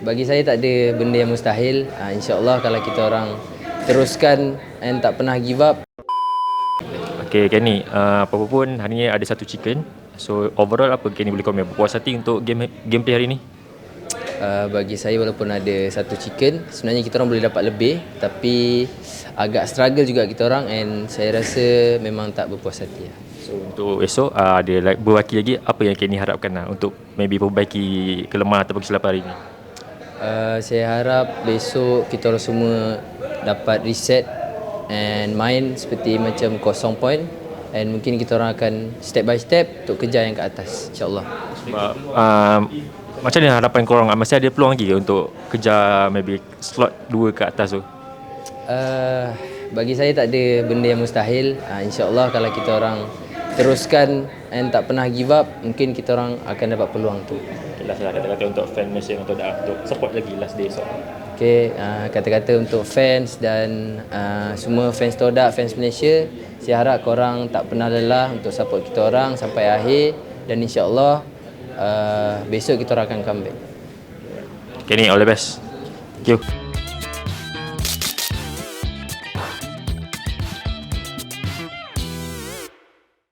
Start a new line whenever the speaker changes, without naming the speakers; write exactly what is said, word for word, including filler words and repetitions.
bagi saya tak ada benda yang mustahil. Uh, InsyaAllah kalau kita orang teruskan and tak pernah give up.
Okay, Kenny, uh, apa-apa pun hari ni ada satu chicken. So overall apa Kenny boleh komen? Puas hati untuk game gameplay hari ni?
Uh, bagi saya walaupun ada satu chicken, sebenarnya kita orang boleh dapat lebih, tapi agak struggle juga kita orang, and saya rasa memang tak berpuas hati lah.
So untuk esok uh, ada like, berwakil lagi, apa yang Kenny harapkan lah untuk maybe perbaiki kelemahan atau kesilapan hari ni?
Uh, saya harap besok kita orang semua dapat reset and main seperti macam kosong point, and mungkin kita orang akan step by step untuk kejar yang ke atas, insyaAllah.
Sebab um, macam mana harapan korang? Masih ada peluang lagi ke untuk kejar maybe slot dua ke atas tu?
Uh, bagi saya tak ada benda yang mustahil. Uh, InsyaAllah kalau kita orang teruskan and tak pernah give up, mungkin kita orang akan dapat peluang tu.
Okay, last lah kata-kata untuk fan Malaysia yang untuk, untuk support lagi last day esok.
Okay, uh, kata-kata untuk fans dan uh, semua fans Todak, fans Malaysia, saya harap korang tak pernah lelah untuk support kita orang sampai akhir, dan insyaAllah uh, besok kita orang akan comeback.
Okay, ni all the best. Thank you.